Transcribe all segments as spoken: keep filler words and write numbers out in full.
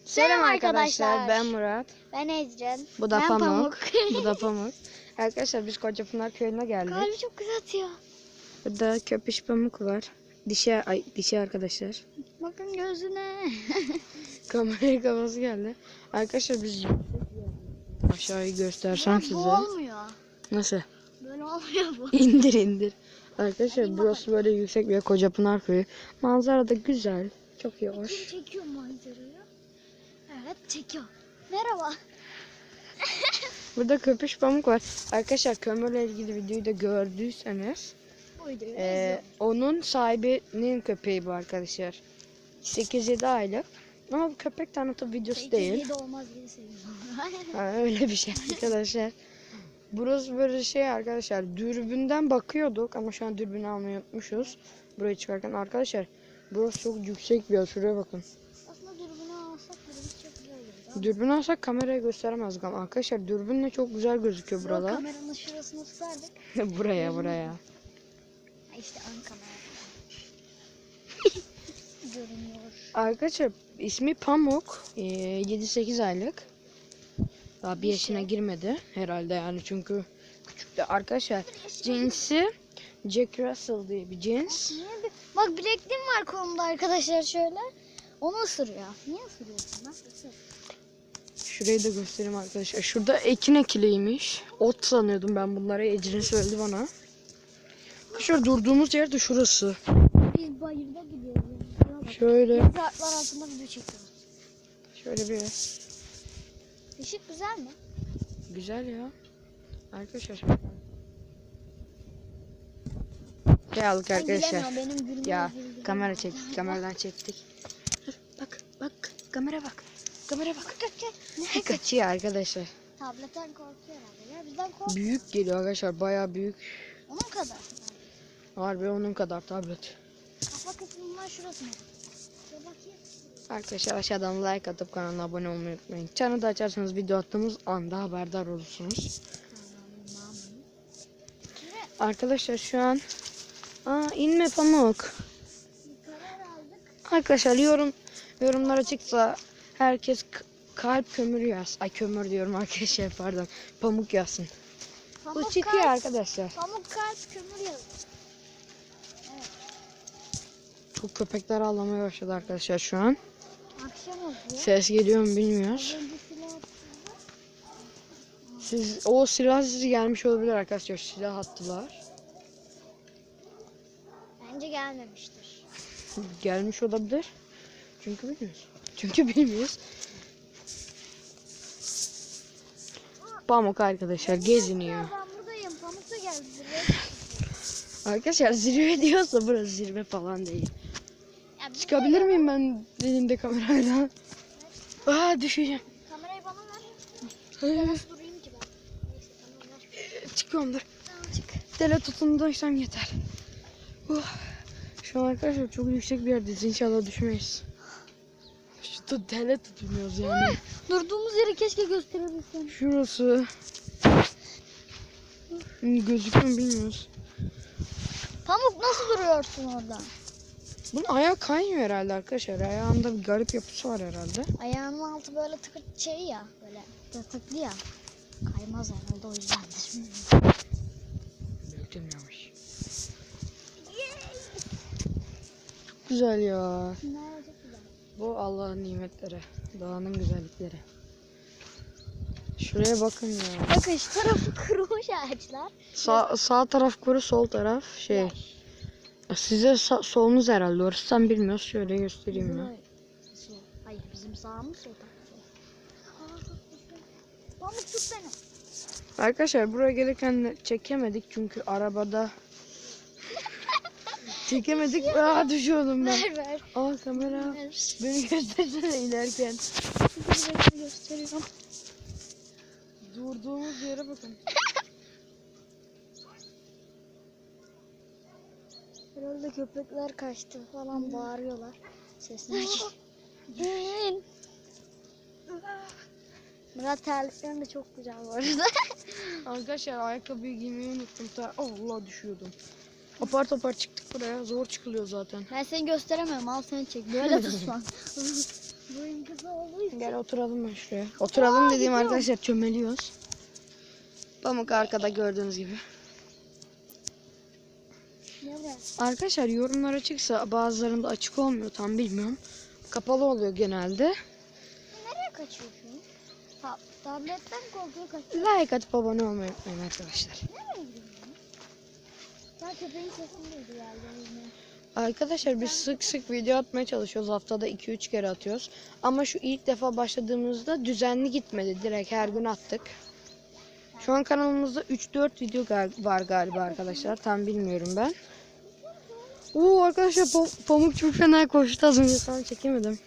Selam arkadaşlar. arkadaşlar, ben Murat. Ben Ecren. Bu da ben Pamuk. Bu da Pamuk. Arkadaşlar biz Kocapınar köyüne geldik. Kalbi çok güzel atıyor. Burada köpüş Pamuk var. Dişi, ay, dişi arkadaşlar. Bakın gözüne. Kameraya kafası geldi. Arkadaşlar biz aşağıyı göstersem Ya, size. bu olmuyor. Nasıl? Böyle olmuyor bu. İndir indir. Arkadaşlar Hadi burası böyle yüksek bir Kocapınar köyü. Manzara da güzel. Çok iyi hoş. Kim çekiyor manzarayı? Evet çekiyor. Merhaba. Burada köpüş Pamuk var. Arkadaşlar kömürle ilgili videoyu da gördüyseniz. Buydu. Ee, onun sahibinin köpeği bu arkadaşlar. sekiz yedi aylık. Ama bu köpek tanıtım videosu değil. de olmaz diye seviyorum. Ha, öyle bir şey arkadaşlar. Burası böyle şey arkadaşlar. Dürbünden bakıyorduk ama şu an dürbünü almayı unutmuşuz. Buraya çıkarken arkadaşlar. Burası çok yüksek bir yer. Şuraya bakın. Aslında dürbünü alsak dürbün çok güzel olur. Dürbünü alsak kameraya gösteremezdik ama arkadaşlar dürbünle çok güzel gözüküyor buralar. Kameranın şurasını tutardık. buraya buraya. Ha, İşte ön kamera. Görünüyor. Arkadaşlar ismi Pamuk. Ee, yedi sekiz aylık. Daha bir yaşına girmedi herhalde yani çünkü küçük de arkadaşlar. Cinsi Jack Russell diye bir cins. Niye bir... Bak bilekliğim var kolumda arkadaşlar şöyle. Onu ısırıyor. Niye ısırıyorsun lan? Isır. Şurayı da göstereyim arkadaşlar. Şurada ekin ekiliymiş. Ot sanıyordum ben bunları. Ecrin söyledi bana. Arkadaşlar durduğumuz yer de şurası. Biz bayırda gidiyoruz. Şöyle. Yapraklar altında video çekiyoruz. Şöyle bir. Işık güzel mi? Güzel ya. Arkadaşlar. Şey aldık arkadaşlar. Ben benim gülmem Ya güldü. kamera çektik. Kameradan çektik. Bak bak. Kamera bak. Kamera bak. Ne? Kaçıyor arkadaşlar. Tabletten korkuyor herhalde. Ya bizden kork. Büyük geliyor arkadaşlar. Bayağı büyük. Onun kadar. Harbi onun kadar tablet. Kafa kısmından şurası mı? Ya bakayım. Arkadaşlar aşağıdan like atıp kanala abone olmayı unutmayın. Çanı da açarsanız video attığımız anda haberdar olursunuz. Arkadaşlar şu an Aa inme Pamuk. Karar aldık. Arkadaşlar yorum yorumlara çıksa herkes kalp kömür yaz. Ay kömür diyorum arkadaşlar pardon. Pamuk yazsın. Pamuk Bu çıkıyor kalp, arkadaşlar. Pamuk kalp kömür yazıyor. Çok köpekler ağlamaya başladı arkadaşlar şu an. Akşam oluyor. Ses geliyor mu bilmiyoruz. Önce silah Siz o silah sizi gelmiş olabilir arkadaşlar. Silah attılar. bence gelmemiştir. Gelmiş olabilir. Çünkü bilmiyoruz. Çünkü bilmiyoruz. Pamuk arkadaşlar geziniyor. Ben buradayım. Pamuk da geldi. buraya. Arkadaşlar zirve diyorsa burası zirve falan değil. Ya bir Çıkabilir de- miyim ben elimde kamerayla? Aa düşeceğim. Kamerayı bana ver. Hayır. Ben nasıl durayım ki ben? Neyse tamam ver. Çıkıyorum dur. Tamam çık. Tele tutunduysam yeter. Uh. Şu an arkadaşlar çok yüksek bir yerdeyiz. İnşallah düşmeyiz. Şu tele tutunuyoruz yani. Durduğumuz yeri keşke gösterebilsem. Şurası. Gözüküyor mu bilmiyoruz. Pamuk nasıl duruyorsun orada? Bunun ayağı kaymıyor herhalde arkadaşlar. Ayağında bir garip yapısı var herhalde. Ayağının altı böyle tıkır şey ya. Böyle tırtıklı ya. Kaymaz herhalde o yüzdendir. Büyütülmemiş. Çok güzel ya. Nerede çok güzel. Bu Allah'ın nimetleri. Doğanın güzellikleri. Şuraya bakın ya. Bakın şu tarafı kurumuş ağaçlar. Sağ, sağ taraf kuru, sol taraf şey. Size sa- solunuz herhalde. Orası tam bilmiyoruz. Şöyle göstereyim ya. Sol. Hayır bizim sağımız sol taraf. Pamuk tut beni. Arkadaşlar buraya gelirken de çekemedik çünkü arabada çekemedik. Aa düşüyordum ben. Ver ver. Aa kamera. Ver. Beni göstersene inerken. Size gösteriyorum. Durduğumuz yere bakın. Herhalde köpekler kaçtı falan bağırıyorlar. Sesler geliyor. Murat terliklerin de çok güzel bu arada. Arkadaşlar ayakkabıyı giymeyi unuttum. Ta Allah düşüyordum. Apar topar çıktık buraya. Zor çıkılıyor zaten. Ben seni gösteremiyorum. Al seni çek. Böyle tutma. Boyun kısa olduğu için. Gel oturalım ben şuraya. Oturalım Aa, dediğim gidiyorum. arkadaşlar çömeliyoruz. Pamuk arkada gördüğünüz gibi. Nereye? Arkadaşlar yorumlar açıksa bazılarında açık olmuyor tam bilmiyorum. Kapalı oluyor genelde. Nereye kaçıyorsun? Ta tabletten korkuyor kaçıyor. Like atıp abone olmayı unutmayın arkadaşlar. Nereye gidiyorsun? Ya köpeğin sesini duydu galiba yine. Arkadaşlar biz sık sık video atmaya çalışıyoruz. Haftada iki üç kere atıyoruz. Ama şu ilk defa başladığımızda düzenli gitmedi. Direkt her gün attık. Şu an kanalımızda üç dört video gal- var galiba arkadaşlar. Tam bilmiyorum ben. Oo arkadaşlar pam- Pamuk çok fena koştu az önce. Tam çekemedim.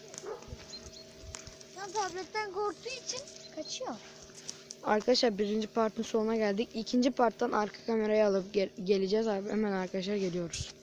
Ya tabletten korktuğu için kaçıyor. Arkadaşlar birinci partın sonuna geldik. İkinci parttan arka kamerayı alıp gel- geleceğiz abi. Hemen arkadaşlar geliyoruz.